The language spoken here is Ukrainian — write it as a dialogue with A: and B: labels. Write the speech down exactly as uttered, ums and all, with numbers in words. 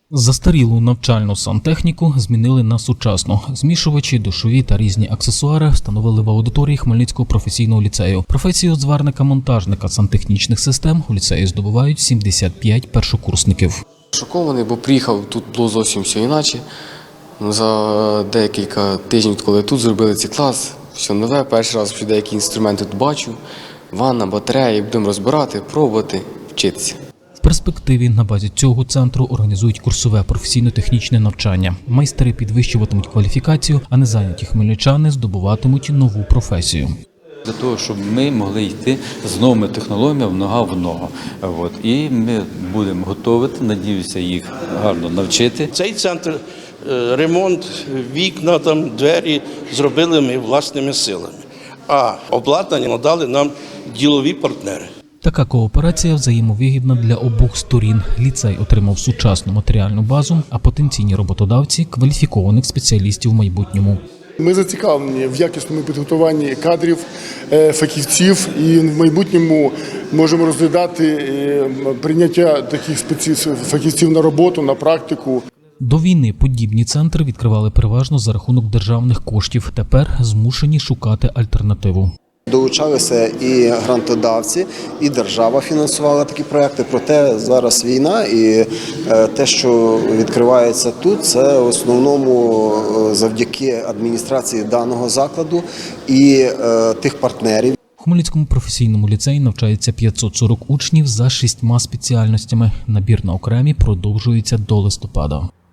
A: Застарілу навчальну сантехніку змінили на сучасну. Змішувачі, душові та різні аксесуари встановили в аудиторії Хмельницького професійного ліцею. Професію зварника-монтажника сантехнічних систем у ліцеї здобувають сімдесят п'ять першокурсників.
B: Шокований, бо приїхав, тут було зовсім все інакше. За декілька тижнів, коли тут зробили цей клас, все нове, перший раз що деякі інструменти тут бачу, ванна, батареї, будемо розбирати, пробувати, вчитися.
A: В перспективі на базі цього центру організують курсове професійно-технічне навчання. Майстри підвищуватимуть кваліфікацію, а незайняті хмельничани здобуватимуть нову професію.
C: Для того, щоб ми могли йти з новими технологіями нога в ногу. От. І ми будемо готувати, надіюся, їх гарно навчити.
D: Цей центр, ремонт, вікна, там, двері зробили ми власними силами, а обладнання надали нам ділові партнери.
A: Така кооперація взаємовигідна для обох сторін. Ліцей отримав сучасну матеріальну базу, а потенційні роботодавці – кваліфікованих спеціалістів в майбутньому.
E: Ми зацікавлені в якісному підготуванні кадрів, фахівців і в майбутньому можемо розглядати прийняття таких фахівців на роботу, на практику.
A: До війни подібні центри відкривали переважно за рахунок державних коштів. Тепер змушені шукати альтернативу.
F: Долучалися і грантодавці, і держава фінансувала такі проекти. Проте зараз війна, і те, що відкривається тут, це в основному завдяки адміністрації даного закладу і тих партнерів.
A: У Хмельницькому професійному ліцеї навчається п'ятсот сорок учнів за шістьма спеціальностями. Набір на окремі продовжується до листопада.